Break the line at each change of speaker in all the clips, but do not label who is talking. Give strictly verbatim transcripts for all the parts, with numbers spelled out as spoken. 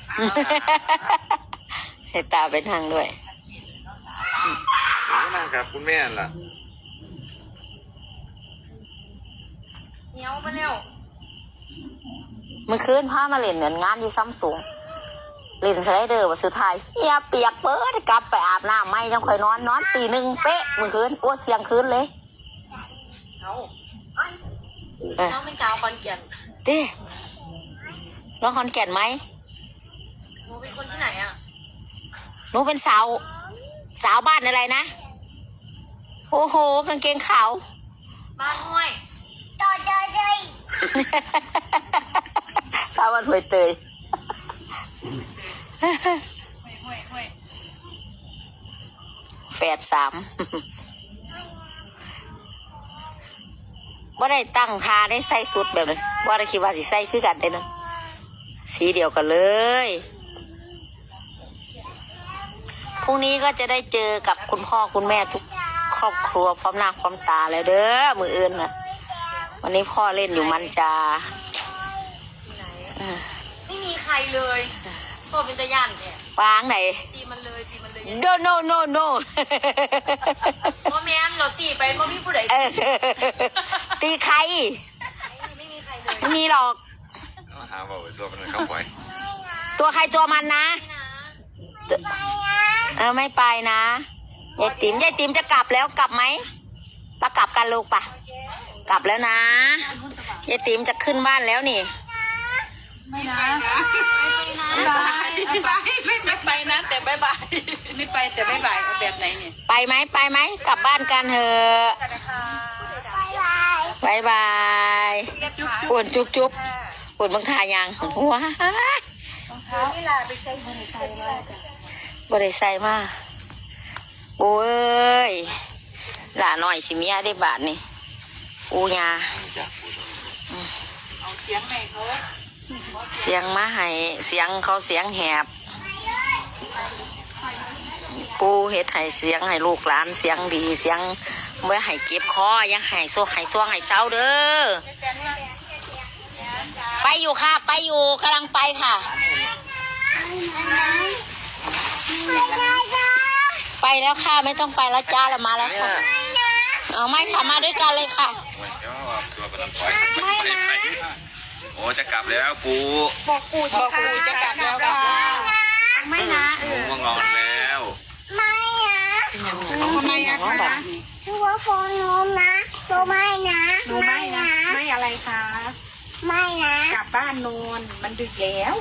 ให้ตาไปทางด้วย
หนูก็นั่งกับคุณแม่ล่ะ
เหนียวมาเร็ว
เมื่อคืนพามาเล่นเหมือนงานที่ซัมซุงเล่นสไลเดอร์ว่าสุดท้ายเฮียเปียกเปิดกลับไปอาบน้ำไม่ยังค่อยนอนนอนตีหนึ่งเป๊ะเมื่อคืนอ้วเสียงคืนเลย
เอาน้องเป็นสาวคอนแก่น
เต้น้องคอนแก่นไหม
หนูเป็นคนที่ไหนอ่ะ
หนูเป็นสาวสาวบ้านอะไรนะโอ้โหกางเกงขาว
บ้านห้วย
ต่อต่อเลยสาวบ้านห้วยเตยแฝดสามว่าได้ตั้งคาได้ใส่สุดแบบนั้นว่าได้คิดว่าสิใส่คือกันได้นะสีเดียวกันเลยพรุ่งนี้ก็จะได้เจอกับคุณพ่อคุณแม่ทุกครอบครัวพร้อมหน้าพร้อมตาแล้วเด้อมืออื่นนะวันนี้พ่อเล่นอยู่มันจา
ไม่มีใครเลยพ่อเป็นตะย่านเนี่ยว
างไหน
ตีมันเลยตีมันเลย
no no no no
พ่อแม่เราสี่ไปพ่อพี่ผู้ใด
ตีใคร
ไม่มีใครเลย
ไม่มีหรอก
หาว่าตัวมันเข้าไป
ตัวใครตัวมันนะเออไม่ไปนะยายติ๋มยายติ๋มจะกลับแล้วกลับไหมปะกลับกันลูกปะกลับแล้วนะยายติ๋มจะขึ้นบ้านแล้วนี่
ไม่นะไม่ไปไม่ไปไม่ไม่ไปนะแต่บายบายไม่ไปแต่บายบายเอาแบบไหนเนี่ย
ไปไหมไปไหมกลับบ้านกันเถอะบายบายปวดจุ๊บจุ๊บปวดบังคายังว้า
เวลาไปใส่บริใส่มา
บริใส่มาโอ้ยหล่าหน่อยสิเมียได้บาทนี่อูยา
เอาเสียงไหนเขา
เสียงมาให้เสียงเขาเสียงแหบปูเฮ็ดให้เสียงให้ลูกหลานเสียงดีเสียงเมื่อให้เก็บคอยังให้โซ่ให้ซ่วงให้เศร้าเด้อไปอยู่ค่ะไปอยู่กำลังไปค่ะไปแล้วค่ะไม่ต้องไปแล้วจ้าแล้วมาแล้วค่ะเอาไม่ค่ะมาด้วยกันเลยค่ะ
ไม่นะโอ้จะกลับแล้วปู
บอกปูบอกปูจะกลับแล้วค่ะไม่นะ
หนูมางอนแล้ว
ไม่นะ
ทำไมอะคะ
คือว่าโฟนโนมนะโนไม่นะ
หนูไม่นะไม่อะไรคะ
ไม่นะ
กลับบ้านนอนมันดึกแล้ว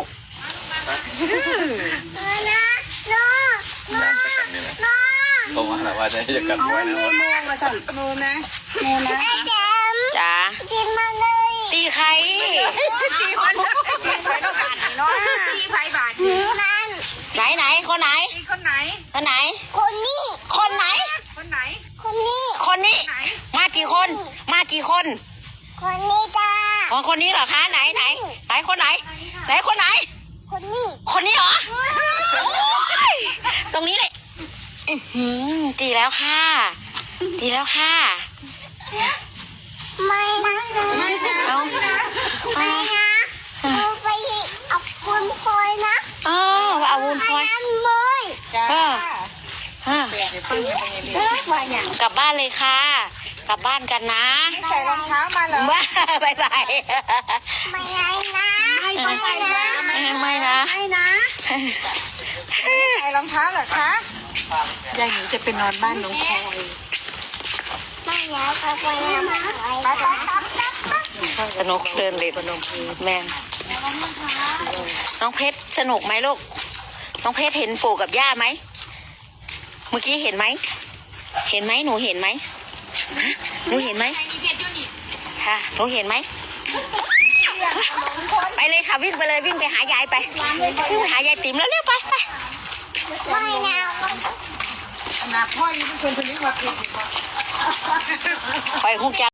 นะโนโนโน
ผมว่าว่าจะจะกลับไว้นะ
โนมาสั่งโนนะโนนะ
ไอ้เจม
จ้า
กินมาเลย
ตีใคร
ตีมันตีไผ่ต้องบาทเนาะตีไผ่บาท
นี่มัน
ไหนไหนคนไหน
คนไหน
คนไหน
คนนี้
คนไหน
คนไหน
คนนี้
คนนี้มากี่คนมากี่คน
คนนี้จ้า
อ๋อคนนี้เหรอคะไหนไหนไหนคนไหนไหนคนไหน
คนนี้
คนนี้เหรอตรงนี้เลยตีแล้วค่ะตีแล้วค่ะ
ไม่นะ
ไม่นะเอา
ไม่นะเอาไปเอาวุ้นพลอยนะ
อ๋อเอาวุ้นพลอย
เลย
จ้า
ฮะกลับบ้านเลยค่ะกลับบ้านกันนะ
ไม่ใส่รองเท้ามาเหรอ
ว้าบายบาย
ไม่ไงนะ
ไม่ไม่นะ
ไม่นะ
ไม่นะ
ใส่รองเท้าเหรอคะยายหนูจะไปนอนบ้านน้องพลอย
ไม่แล้วเขาไปแล้วมา
สนุกเดินเลยแม่น้องเพชรสนุกไหมลูกน้องเพชรเห็นปู่กับย่าไหมเมื่อกี้เห็นไหมเห็นไหมหนูเห็นไหมหนูเห็นไหมค่ะหนูเห็นไหมไปเลยค่ะวิ่งไปเลยวิ่งไปหายายไปวิ่งไปหายายติ๋มแล้วเร็วไปไป
ไม่นะ
ขนาดพ่อยังเป็นคนทะเลาะกัน
ไปหุกยา